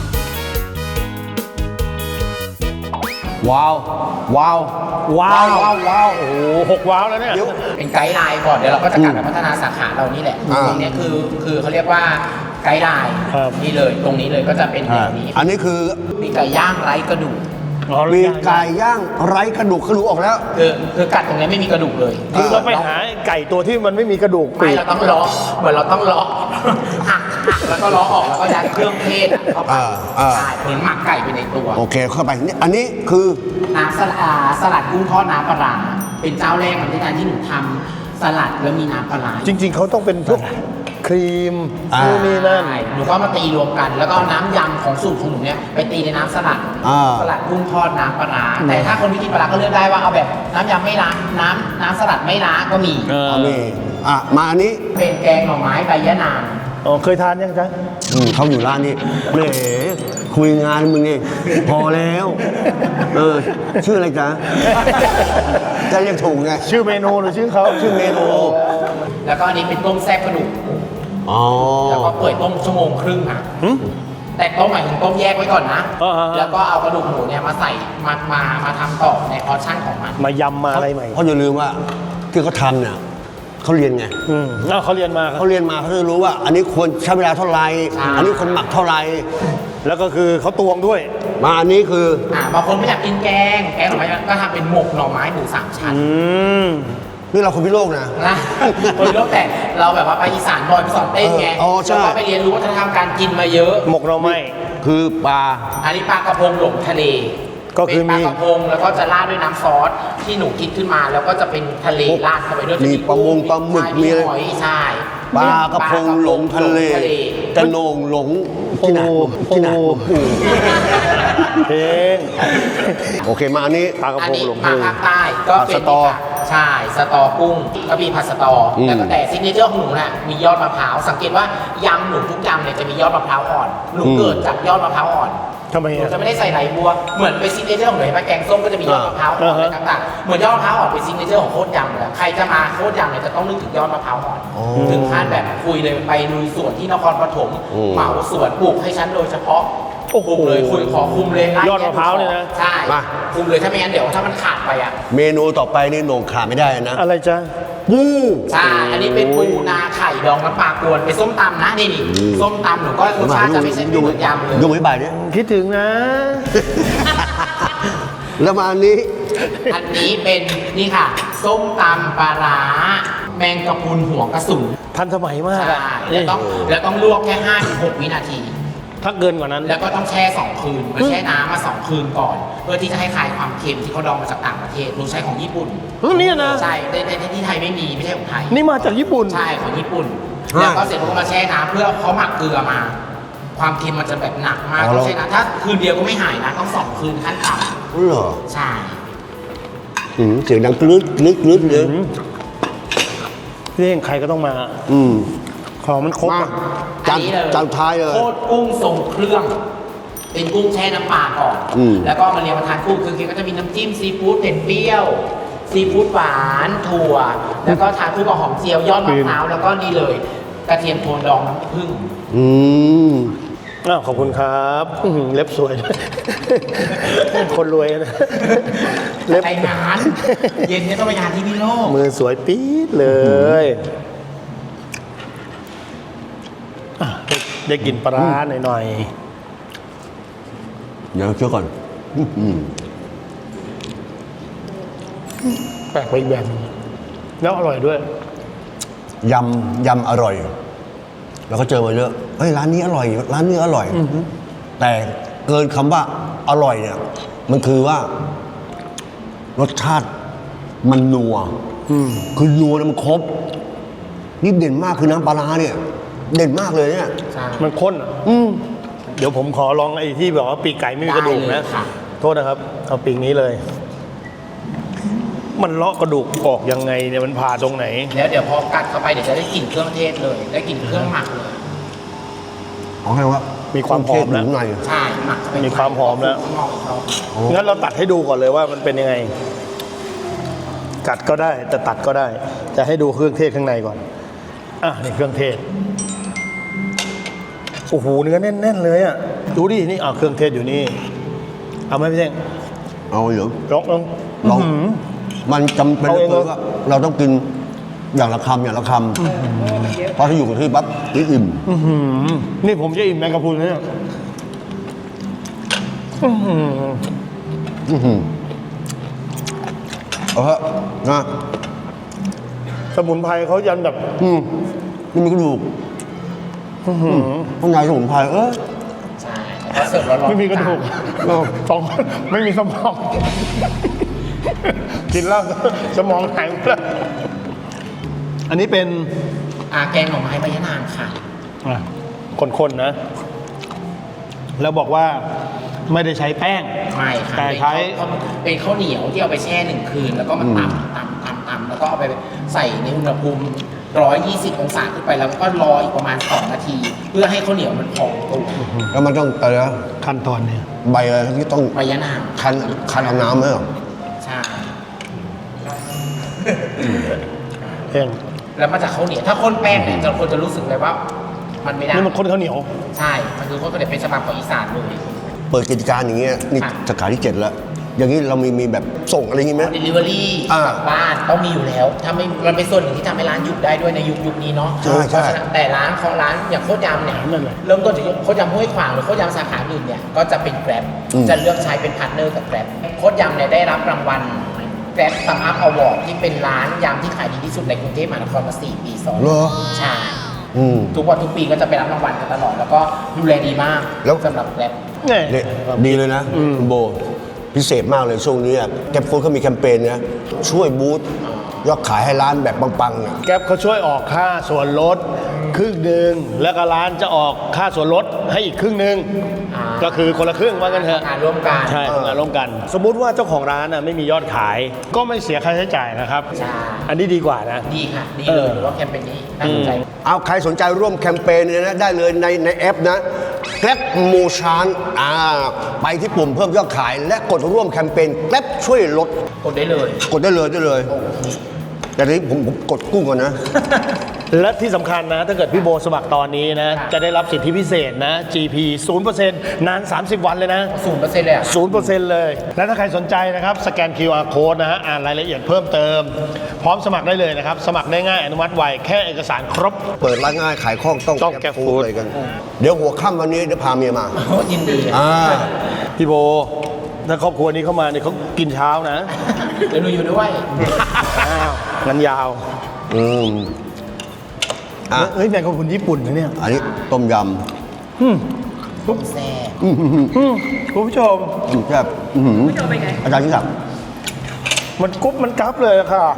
[SPEAKER 3] ว้าว ว้าว
[SPEAKER 1] ว้าวว้าวว้าวโอ้โหหกว้าวแล้วเนี่ย
[SPEAKER 3] เดี๋ยว
[SPEAKER 2] เป็นไกด์ไลน์ก่อนเดี๋ยวเราก็จะกลับไปพัฒนาสาขาเรานี่แหละ
[SPEAKER 3] อ่า
[SPEAKER 2] ตรงเนี้ยคือคือเขาเรียกว่าไกด์ไลน์
[SPEAKER 1] ครับ
[SPEAKER 2] นี่เลยตรงนี้เลยก็จะเป็นแบบนี้
[SPEAKER 3] อันนี้คือ
[SPEAKER 2] มีไก่ย่างไร้กระดูก
[SPEAKER 3] มีไก่ย่างไร้กระดูกกระดูกออกแล้ว
[SPEAKER 2] คือคือกัดตรงเนี้ยไม่มีกระดูกเลย
[SPEAKER 1] คือเราไปหาไก่ตัวที่มันไม่มีกระดูก
[SPEAKER 2] ไม่เราต้องล้อเหมือนเราต้องล้อหักหักแล้วก็ล้อออกแล้วก็ยัดเครื่องเทศเข้าไป
[SPEAKER 3] อ่าอ่า
[SPEAKER 2] ใช่เหมือนหมักไก่ไปในตัว
[SPEAKER 3] โอเคเข้าไปนี่อันนี้คือ
[SPEAKER 2] น้ำสลัดอ่าสลัดกุ้งทอดน้ำปลาร้าเป็นเจ้าแรกของที่การที่หนูทำสลัดแล้วมีน้ำปลาร้า
[SPEAKER 1] จริง ๆเขาต้องเป็นพวกครีม
[SPEAKER 3] อ่า
[SPEAKER 1] นู่นนี่นั่น
[SPEAKER 2] ใช่หนูก็มาตีรวมกัน แล้วก็เอาน้ำยำของสูตรของหนูเนี่ยไปตีในน้ำสลัด
[SPEAKER 3] อ่า
[SPEAKER 2] สลัดกุ้งทอดน้ำปลาร้าแต่ถ้าคนที่กินปลาร้าก็เลือกได้ว่าเอาแบบน้ำยำไม่ล้างน้ำน้ำสลัดไม่ล้างก็มี
[SPEAKER 1] เออ
[SPEAKER 3] เอามีอ่ะมาอันนี้
[SPEAKER 2] เป็นแกงหน่อไม้ใบยะนาง
[SPEAKER 1] อ๋อเคยทานยังจ๊ะ
[SPEAKER 3] อืมเขาอยู่ร้านนี้แหมคุยงานมึงนี่พอแล้ว เออ ชื่ออะไรจ๊ะ จะเรียกถูกไง
[SPEAKER 1] ชื่อเมนูหรือชื่อเขา
[SPEAKER 3] ชื่อเมนู
[SPEAKER 2] แล้วก็อันนี้เป็นต้มแซ่บกระดูก
[SPEAKER 3] อ๋อ
[SPEAKER 2] แล้วก็เปิดต้มชั่วโมงครึ่งอ่ะแต่ต้มหมายถึงต้มแยกไว้ก่อนนะ
[SPEAKER 1] อ่าฮะ
[SPEAKER 2] แล้วก็เอากระดูกหมูเนี่ยมาใส่มามามาทำต่อในพอร์ชั่นของมัน
[SPEAKER 1] มายำมาอะไรใหม่
[SPEAKER 3] เพราะอย่าลืมว่าที่เขาทำเนี่ยเขาเรียนไง
[SPEAKER 1] อืมอ้าวเขาเรียนมาครับ
[SPEAKER 3] เขาเรียนมาเขาจะรู้ว่า อันนี้ควรใช้เวลาเท่าไหร่
[SPEAKER 2] ใช่
[SPEAKER 3] อันนี้คนหมักเท่าไหร่
[SPEAKER 1] แล้วก็คือเขาตวงด้วย
[SPEAKER 3] มาอันนี้คือ
[SPEAKER 2] อ่าบางคนไม่อยากกินแกง แกงหน่อไม้ก็ทำเป็นหมกหน่อไม้หมูสามชั้น
[SPEAKER 1] อืม
[SPEAKER 3] นี่เราคนพิโลกนะ
[SPEAKER 2] นะคนรู้แต่เราแบบว่าไปอีสานบ่อยไปสอนเต้นไง
[SPEAKER 3] เอออ๋อใช่
[SPEAKER 2] แล้วก็ไปเรียนรู้วัฒนธรรมการกินมาเยอะ
[SPEAKER 1] หมกเราไม่
[SPEAKER 3] คือปลา
[SPEAKER 2] อันนี้ปลากระพงหลงทะเล
[SPEAKER 1] ก็คือ
[SPEAKER 2] เป็นป
[SPEAKER 1] มี
[SPEAKER 2] ลากระพงแล้วก็จะราดด้วยน้ำซอสที่หนูคิดขึ้นมาแล้วก็จะเป็นทะเลราดเข้าไปด้วย
[SPEAKER 3] มีปลามงปลาหมึก
[SPEAKER 2] ใช่
[SPEAKER 3] มีอะไร
[SPEAKER 2] หอยใช่
[SPEAKER 3] ปลากระพงหลงทะเลกระโหนงหลงที่ไหนที่ไหน
[SPEAKER 1] โอ้โหเพลง
[SPEAKER 3] โอเคมาอันนี้
[SPEAKER 1] ปลากระ
[SPEAKER 2] อัน
[SPEAKER 1] พง
[SPEAKER 2] นี้
[SPEAKER 1] หลง
[SPEAKER 2] มา
[SPEAKER 1] ทะเล
[SPEAKER 2] ภาคใต้ก็เป็น
[SPEAKER 3] ผัดสตอ
[SPEAKER 2] ใช่สตอกุ้งก็มีผัดสตออ
[SPEAKER 3] ม
[SPEAKER 2] แล้วก็แต่ซิกเนเจอร์ของหนูน่ะมียอดมะพร้าวสังเกตว่ายำหนูทุกยำเนี่ยจะมียอดมะพร้าวอ่อนหนู
[SPEAKER 3] อืม
[SPEAKER 2] เกิดจากยอดมะพร้าวอ่อน
[SPEAKER 1] ทำไม
[SPEAKER 2] หนู
[SPEAKER 1] อ่ะ
[SPEAKER 2] จะไม่ได้ใส่ไหลบัวเหมือนเป็นซิกเนเจอร์ของหนูเห็นไหมแกงส้มก็จะมียอดมะพร้าวอ่อน
[SPEAKER 1] อ่าฮะ
[SPEAKER 2] อะไรต่างๆเหมือนยอดมะพร้าวอ่อนเป็นซิกเนเจอร์ของโคตรยำเลยใครจะมาโคตรยำเนี่ยจะต้องนึกถึงยอดมะพร้าวอ่อน
[SPEAKER 3] อ๋อ
[SPEAKER 2] ถึงขั้นแบบคุยเลยไปลุยสวนที่นครปฐม
[SPEAKER 3] อืม
[SPEAKER 2] เหมาสวนปลูกให้ฉันโดยเฉพาะ
[SPEAKER 1] โอ้โห
[SPEAKER 2] คุมเลยคุยขอคุมเลย
[SPEAKER 1] ยอดมะพร้าวเนี่ยนะ
[SPEAKER 2] ใช่
[SPEAKER 3] มา
[SPEAKER 2] คุมเลยถ้าไม่งั้นเดี๋ยวถ้ามันขาดไปอ่ะ
[SPEAKER 3] เมนูต่อไปนี่โหน่งขาดไม่ได้นะ
[SPEAKER 1] อะไรจ๊ะ
[SPEAKER 3] ปู
[SPEAKER 2] ใช่ อันนี้เป็นปูนาไข่ดองน้ำปลากวนเป็นส้มตำนะนี่นี่ส้มตำหนูก็รสชาติจะไม่ใช่ไม่เหมือนยำเลย
[SPEAKER 3] ยุ่งไม่บ่ายเนี่ย
[SPEAKER 1] คิดถึงนะ
[SPEAKER 3] แล้วมาอันนี้
[SPEAKER 2] อันนี้เป็นนี่ค่ะ ส้มตำปลาร้าแมงกะพรุนหัวกระสุน
[SPEAKER 1] ทันสมัยมาก
[SPEAKER 2] ใช่
[SPEAKER 1] อะ
[SPEAKER 2] แล้วต้องแล้วต้องลวกแค่ห้าถึงหกวินาที
[SPEAKER 1] ถ้าเกินกว่านั้น
[SPEAKER 2] แล้วก็ต้องแช่สองคืนมาแช่น้ำมาสองคืนก่อน เพื่อที่จะให้คลายความเค็มที่เขาดองมาจากต่างประเทศหนูใช้ของญี่ปุ่น
[SPEAKER 1] เฮ้ยเนี่ยนะ
[SPEAKER 2] ใช่ในในที่ไทยไม่มีไม่ใช่ของไทย
[SPEAKER 1] นี่มาจากญี่ปุ่น
[SPEAKER 2] ใช่ของญี่ปุ่น
[SPEAKER 3] ฮะ
[SPEAKER 2] แล้วก็เสร็จแล้วก็มาแช่น้ำเพื่อเขาหมักเกลือมา ความเค็มมันจะแบบหนักมาก
[SPEAKER 3] อ๋อ
[SPEAKER 2] ต้องแช่น้ำถ้าคืนเดียวก็ไม่หายนะต้องสองคืนขั้นต่
[SPEAKER 3] อ๋อเหรอ
[SPEAKER 2] ำใช่
[SPEAKER 3] อืมเสียงดังกรึ๊ดกรึ๊ดกรึ๊ดเลย
[SPEAKER 1] เรื่องใครก็ต้องมา
[SPEAKER 3] อืม
[SPEAKER 1] ของมันครบ
[SPEAKER 3] มา
[SPEAKER 1] อะ
[SPEAKER 3] จาน
[SPEAKER 2] อัเลย
[SPEAKER 3] จานท้ายเลย
[SPEAKER 2] โคตรกุ้งทรงเครื่อง เป็นกุ้งแช่น้ำปลาก่อน
[SPEAKER 3] อืม
[SPEAKER 2] แล้วก็มาเรียงมาทานคู่คือก็จะมีน้ำจิ้มซีฟู้ดเผ็ดเปรี้ยว ซีฟู้ดหวานถั่ว แล้วก็ทานคู่กับหอมเจียวยอดมะพร้าวแล้วก็นี่เลยกระเทียมโทนดองน้ำผึ้ง
[SPEAKER 3] อืม
[SPEAKER 1] อ้าวขอบคุณครับอื้อหือเล็บสวย คนรวยนะเล็บ
[SPEAKER 2] ไปงาน เย็นนี้ต้องไปงานที่พิโลก
[SPEAKER 1] มือสวยปี๊ดเลยอ่ะได้ได้กลินปลาร้าหน่อย
[SPEAKER 3] เดี๋ยวเชื่อก่อนอืม
[SPEAKER 1] ๆแปลกไปอีกแบบหนึงแล้วอร่อยด้วย
[SPEAKER 3] ยำยำอร่อย แล้วก็เจอมาเยอะเฮ้ยร้านนี้อร่อย ร้านนี้อร่อย แต่เกินคำว่าอร่อยเนี่ย มันคือว่า รสชาติมันนัวคือนัวแล้วมันครบ นี่เด่นมากคือน้ำปลาร้าเนี่ย เด่นมากเลยเนี่ย
[SPEAKER 2] ใช่
[SPEAKER 1] มันข้นอ่ะ
[SPEAKER 3] อืม
[SPEAKER 1] เดี๋ยวผมขอลองไอ้ที่แบบว่าปีกไก่ไม่มีกระดูก
[SPEAKER 2] ได้เล
[SPEAKER 1] นะ
[SPEAKER 2] ยค่ะ
[SPEAKER 1] โทษนะครับ เอาปีกนี้เลย มันเลาะกระดูกออกยังไงเนี่ยมันผ่าตรงไหน
[SPEAKER 2] แล้วเดี๋ยวพอกัดเข้าไปเดี๋ยวจะได้กลิ่นเครื่องเทศเลย ได้กลิ่นเครื่องหมักเลย
[SPEAKER 3] เอาให้ว่า
[SPEAKER 1] มีความหอมแล้ว
[SPEAKER 3] เทศยู่ข้างใน
[SPEAKER 2] ใช่หมักเข้าไป
[SPEAKER 1] มีความหอมแล้ว
[SPEAKER 2] ข้างนอกอีกรอบ
[SPEAKER 1] งั้นเราตัดให้ดูก่อนเลยว่ามันเป็นยังไง กัดก็ได้แต่ตัดก็ได้ จะให้ดูเครื่องเทศข้างในก่อน อ่ะนี่เครื่องเทศ โอ้โหเนื้อแน่นๆเลยอ่ะ ดูดิ นี่อ่ะเครื่องเทศอยู่นี่ เอาไหมพี่เท่ง
[SPEAKER 3] เอาเหรอ
[SPEAKER 1] ลองลอง
[SPEAKER 3] ลอง
[SPEAKER 1] อื้อหือ
[SPEAKER 3] มันจำเป็น
[SPEAKER 1] เอา
[SPEAKER 3] เหลื
[SPEAKER 1] เอ
[SPEAKER 3] อง เกิน
[SPEAKER 1] เหรอ
[SPEAKER 3] ว่าเราต้องกินอย่างละคำอย่างละคำเพราะถ้าอยู่กับที่ปั๊บนี่อิ่ม
[SPEAKER 1] อื้อหือนี่ผมจะอิ่มแมงกะพรุนนะเนี่ยอื้อหือ
[SPEAKER 3] อื้อหือเอาเถอะนะ
[SPEAKER 1] สมุนไพรเขายันแบบ
[SPEAKER 3] อืมนี่มีกระดูก
[SPEAKER 1] อื้อหือ
[SPEAKER 3] ข้างในสมุนไพรเออ
[SPEAKER 2] ใช่พอเสิร์ฟร้อนๆ
[SPEAKER 1] ไม่มีกระดูก
[SPEAKER 3] เออ
[SPEAKER 1] สองไม่มีสมอง กินแล้วสมองหายหมดแล้วอันนี้เป็น
[SPEAKER 2] อ่าแกงหน่อไม้ใบยะนางค่ะ
[SPEAKER 1] อ่ะคนๆนะ แล้วบอกว่าไม่ได้ใช้แป้ง
[SPEAKER 2] ไม่ค่ะ
[SPEAKER 1] แต่ใช้
[SPEAKER 2] เป็นข้าวเหนียวที่เอาไปแช่หนึ่งคืน แล้วก็มาตำตำตำตำแล้วก็เอาไปใส่ในอุณหภูมิหนึ่งร้อยยี่สิบองศาขึ้นไปแล้วก็รออีกประมาณสองนาที เพื่อให้ข้าวเหนียวมันพองตัว
[SPEAKER 3] แล้วมันต้องอะไรนะ
[SPEAKER 1] ขั้นตอนเนี่ย
[SPEAKER 3] ใบอะไรที่ต้อง
[SPEAKER 2] ใบยะนาง
[SPEAKER 3] คั้นคั้นเอาน้ำไหมเหรอ
[SPEAKER 2] ใช่
[SPEAKER 1] เอง
[SPEAKER 2] แล้วมันจะข้าวเหนียวถ้าข้นแป้งเนี่ยจะคนจะรู้สึกเลยว่า มันไม่ได้
[SPEAKER 1] นี่มันข้นข้าวเหนียว
[SPEAKER 2] ใช่มันคือข้นข้าวเหนียวเป็นฉบับของอีสานเลย
[SPEAKER 3] เปิดกิจการอย่างเงี้ยนี่
[SPEAKER 2] ค่ะ
[SPEAKER 3] สาขาที่เจ็ดแล้ว อย่างนี้เรามีมีแบบส่งอะไรอย่างงี้ไหม
[SPEAKER 2] เดลิเวอรี่
[SPEAKER 3] อ่า
[SPEAKER 2] กลับบ้านต้องมีอยู่แล้วถ้าไม่มันเป็นส่วนหนึ่งที่ทำให้ร้านหยุดได้ด้วยในยุคยุคนี้เนาะ
[SPEAKER 3] ใช่ใช่
[SPEAKER 2] เพราะฉะนั้นแต่ร้านของร้านอย่างโคตรยำเนี่ย
[SPEAKER 1] นั่นแหละ
[SPEAKER 2] เริ่มต้นจากโคตรยำห้วยขวางหรือโคตรยำสาขาอื่นเนี่ยก็จะเป็นแกร็บจะเลือกใช้เป็นพาร์ทเนอร์กับแกร็บโคตรยำเนี่ยได้รับรางวัลแกร็บซัมอัพอวอร์ดที่เป็นร้านยำที่ขายดีที่สุดในกรุงเทพมหานครมาสี่ปีซ้อน
[SPEAKER 3] เหรอ
[SPEAKER 2] ใช่
[SPEAKER 3] อืม
[SPEAKER 2] ทุกวันทุกปีก็จะไปรับรางวัลกันตลอดแล้วก็ดูแลดีมาก
[SPEAKER 3] แล้ว
[SPEAKER 2] สำหรับแกร็บ
[SPEAKER 1] เนี่ย
[SPEAKER 3] เนี่ยดีเลยนะคุณโบ พิเศษมากเลยช่วงนี้อะแกปฟู้ดเขามีแคมเปญนะช่วยบูสต์ยอดขายให้ร้านแบบปังๆเนี่ย
[SPEAKER 1] แก๊ปเขาช่วยออกค่าส่วนลดครึ่งหนึ่งแล้วก็ร้านจะออกค่าส่วนลดให้อีกครึ่งหนึ่ง
[SPEAKER 2] อ่า
[SPEAKER 1] ก็คือคนละครึ่งว่ากันเถอะ
[SPEAKER 2] งานร่วมกัน
[SPEAKER 1] ใช่ทำงานร่วมกัน สมมุติว่าเจ้าของร้านน่ะไม่มียอดขาย ก็ไม่เสียค่าใช้จ่ายนะครับ
[SPEAKER 2] ใช่
[SPEAKER 1] อันนี้ดีกว่านะ
[SPEAKER 2] ดีค่ะ ดี
[SPEAKER 1] เอ
[SPEAKER 2] เล
[SPEAKER 1] อ
[SPEAKER 2] ยหรือว่าแคมเปญนี้น่าสนใจ
[SPEAKER 3] เอาใครสนใจร่วมแคมเปญเนี่ยนะได้เลยในในแอปนะ Grab Motion อ่าไปที่ปุ่มเพิ่มยอดขาย และกดร่วมแคมเปญ Grab ช่วยลด
[SPEAKER 2] กดได้เลย
[SPEAKER 3] กดได้เลยได้เลย แต่ทีนี้ผมผมกดกุ้งก่อนนะ
[SPEAKER 1] และที่สำคัญนะ ถ้าเกิดพี่โบสมัครตอนนี้นะ จะได้รับสิทธิพิเศษนะ จี พี ศูนย์เปอร์เซ็นต์ นาน สามสิบ วันเลยนะ
[SPEAKER 2] ศูนย์เปอร์เซ็นต์เลยอ่ะ
[SPEAKER 1] ศูนย์เปอร์เซ็นต์ เลย และถ้าใครสนใจนะครับ สแกน คิว อาร์ Code นะฮะ อ่านรายละเอียดเพิ่มเติม พร้อมสมัครได้เลยนะครับ สมัครได้ง่าย อนุมัติไว แค่เอกสารครบ
[SPEAKER 3] เปิดร้านง่ายขายคล่องต้อง
[SPEAKER 1] ต้อง Grab Food
[SPEAKER 3] เลยกัน เดี๋ยวหัวค่ำวันนี้เดี๋ยวพาเมียมา
[SPEAKER 2] ยินดี
[SPEAKER 3] อ่า
[SPEAKER 1] พี่โบ ถ้าครอบครัวนี้เข้ามาเนี่ยเขากินเช้านะ
[SPEAKER 2] เดี๋ยวหนูอยู่ด้วย
[SPEAKER 1] อ้าวงั้นยาว
[SPEAKER 3] อืมอ่ะ
[SPEAKER 1] เฮ้ยแมงกะพรุนญี่ปุ่นนะเนี่ย
[SPEAKER 3] อันนี้ต้มย
[SPEAKER 2] แซ่บ
[SPEAKER 1] อืมคุณผู้ชม
[SPEAKER 3] ำอืมแซ่บอื้อหืออาจารย์ยิ่งศักดิ์
[SPEAKER 1] มันกรุ๊บมันกรับเลยอะค่ะ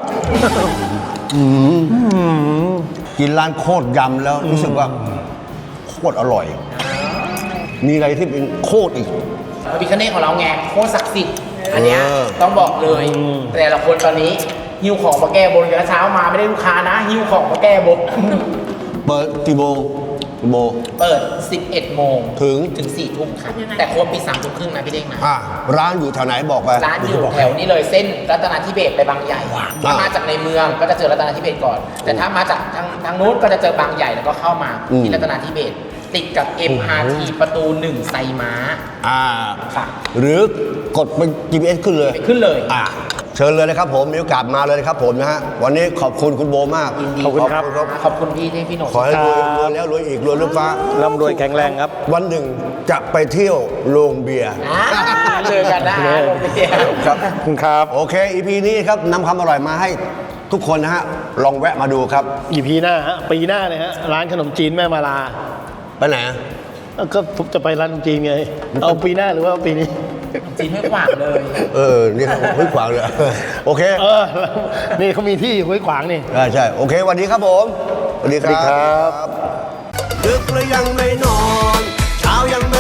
[SPEAKER 3] กินร้านโคตรยำแล้วรู้สึกว่าโคตรอร่อย มีอะไรที่เป็นโคตรอีก
[SPEAKER 2] พระพิฆเนศของเราไงโคตรศักดิ์สิทธิ์อันเนี้ย
[SPEAKER 3] เออ
[SPEAKER 2] ต้องบอกเลย แต่ละคนตอนนี้หิ้วของมาแก้บนกันเช้ามาไม่ได้ลูกค้านะหิ้วของมาแก้บน
[SPEAKER 3] เปิดกี่โมงกี่โมง
[SPEAKER 2] เปิด สิบเอ็ด โมง
[SPEAKER 3] ถึง
[SPEAKER 2] ถึง สี่ ทุ่มค่ะแต่โค้ดปิดสามทุ่มครึ่งนะพี่เด้งนะ
[SPEAKER 3] อ่ะร้านอยู่แถวไหนบอกไป
[SPEAKER 2] ร้านอยู่แถวนี้เลยเส้นรัตนาธิเบศรไปบางใหญ่ถ้ามาจากในเมืองก็จะเจอรัตนาธิเบศรก่อน แต่ถ้ามาจากทางทางนู้นก็จะเจอบางใหญ่แล้วก็เข้ามา
[SPEAKER 3] อืม
[SPEAKER 2] ที่รัตนาธิเบศรติดกับ เอ็ม อาร์ ที ประตูหนึ่งไซม้า
[SPEAKER 3] อ่า
[SPEAKER 2] ค่ะ
[SPEAKER 3] หรือกดเป็น จี พี เอส ขึ้นเลย
[SPEAKER 2] ไปขึ้นเลย
[SPEAKER 3] อ่าเชิญเลยนะครับผมมีโอกาสมาเลยนะครับผมนะฮะวันนี้ขอบคุณคุณโบมาก
[SPEAKER 2] ยินดี
[SPEAKER 1] ขอบคุณครับ
[SPEAKER 2] ขอบคุณพี่ที่พี่หนุ่ม
[SPEAKER 3] ขอให้รวยรวยแล้วรวยอีกรวยลูกฟ้า
[SPEAKER 1] ร่ำรวยแข็งแรงครับ
[SPEAKER 3] วันหนึ่งจะไปเที่ยวโรงเบียร์
[SPEAKER 2] อ่าเจอกันได้โรงเรียน
[SPEAKER 3] ครับ
[SPEAKER 1] ขอบคุณครับ
[SPEAKER 3] โอเค อี พี นี้ครับนำความอร่อยมาให้ทุกคนนะฮะ ลองแวะมาดูครับ
[SPEAKER 1] อีพีหน้าฮะ ปีหน้าเลยฮะ ร้านขนมจีนแม่มาลา
[SPEAKER 3] ไปไหน
[SPEAKER 1] เอ้าก็ผมจะไปร้านขนมจีนไง เอาปีหน้าหรือว่าปีนี้
[SPEAKER 2] จีนไม่ขวางเลย
[SPEAKER 3] เออ นี่ครับห้วยขวางเลย โอเค
[SPEAKER 1] เออ นี่เขามีที่ห้วยขวางนี่
[SPEAKER 3] ใช่ใช่โอเคสวันนี้ครับผมสวัสดีค
[SPEAKER 1] สวัสดีครั
[SPEAKER 3] รับ ดึกแล้วยังไม่นอน เช้ายังไม่